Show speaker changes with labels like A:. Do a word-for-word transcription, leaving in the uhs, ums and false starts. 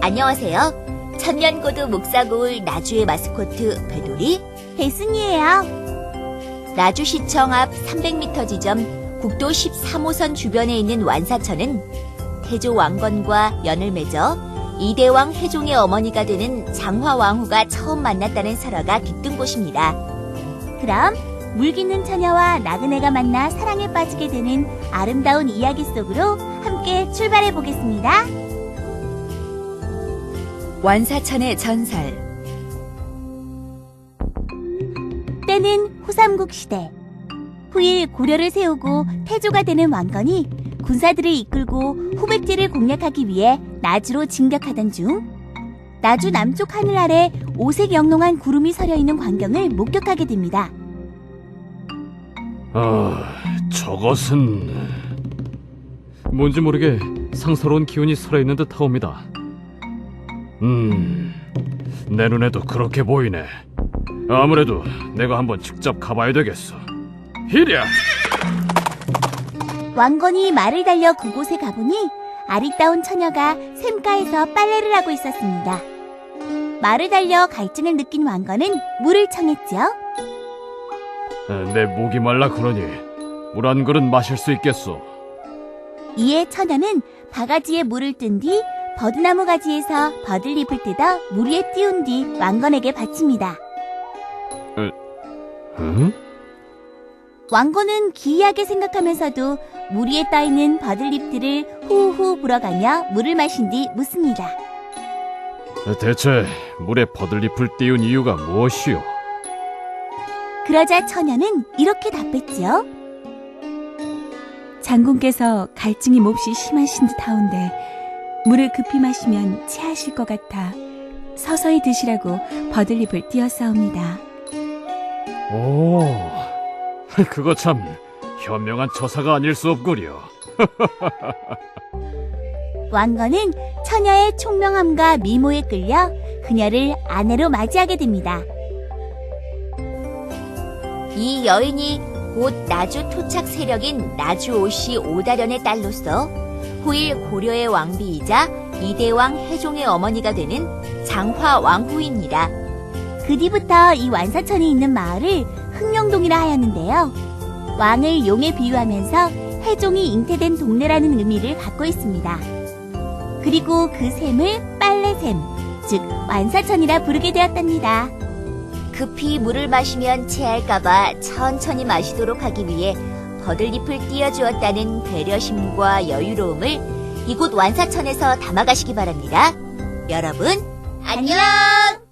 A: 안녕하세요. 천년고도 목사고을 나주의 마스코트 배돌이
B: 배순이에요.
A: 나주시청 앞 삼백 미터 지점 국도 십삼 호선 주변에 있는 완사천은 태조 왕건과 연을 맺어 이대왕 해종의 어머니가 되는 장화왕후가 처음 만났다는 설화가 깃든 곳입니다.
B: 그럼 물깃는 처녀와 나그네가 만나 사랑에 빠지게 되는 아름다운 이야기 속으로 함께 출발해 보겠습니다.
A: 완사천의 전설.
B: 때는 후삼국 시대. 후일 고려를 세우고 태조가 되는 왕건이 군사들을 이끌고 후백제를 공략하기 위해 나주로 진격하던 중 나주 남쪽 하늘 아래 오색 영롱한 구름이 서려 있는 광경을 목격하게 됩니다.
C: 아, 저것은 뭔지 모르게 상서로운 기운이 살아있는 듯 하옵니다. 음, 내 눈에도 그렇게 보이네. 아무래도 내가 한번 직접 가봐야 되겠어. 히랴!
B: 왕건이 말을 달려 그곳에 가보니 아리따운 처녀가 샘가에서 빨래를 하고 있었습니다. 말을 달려 갈증을 느낀 왕건은 물을 청했죠.
C: 내 목이 말라 그러니 물 한 그릇 마실 수 있겠소.
B: 이에 처녀는 바가지에 물을 뜬 뒤 버드나무 가지에서 버들잎을 뜯어 물 위에 띄운 뒤 왕건에게 바칩니다.
C: 응?
B: 왕건은 기이하게 생각하면서도 물 위에 떠있는 버들잎들을 후후 불어가며 물을 마신 뒤 묻습니다.
C: 대체 물에 버들잎을 띄운 이유가 무엇이오?
B: 그러자 처녀는 이렇게 답했지요.
D: 장군께서 갈증이 몹시 심하신 듯하온데 물을 급히 마시면 체하실 것 같아 서서히 드시라고 버들잎을 띄었사옵니다.
C: 오, 그거 참 현명한 처사가 아닐 수 없구려.
B: 왕건은 처녀의 총명함과 미모에 끌려 그녀를 아내로 맞이하게 됩니다.
A: 이 여인이 곧 나주 토착 세력인 나주오씨 오다련의 딸로서 후일 고려의 왕비이자 이대왕 해종의 어머니가 되는 장화왕후입니다.
B: 그 뒤부터 이 완사천이 있는 마을을 흥룡동이라 하였는데요. 왕을 용에 비유하면서 해종이 잉태된 동네라는 의미를 갖고 있습니다. 그리고 그 샘을 빨래샘, 즉 완사천이라 부르게 되었답니다.
A: 급히 물을 마시면 체할까봐 천천히 마시도록 하기 위해 버들잎을 띄워주었다는 배려심과 여유로움을 이곳 완사천에서 담아가시기 바랍니다. 여러분, 안녕!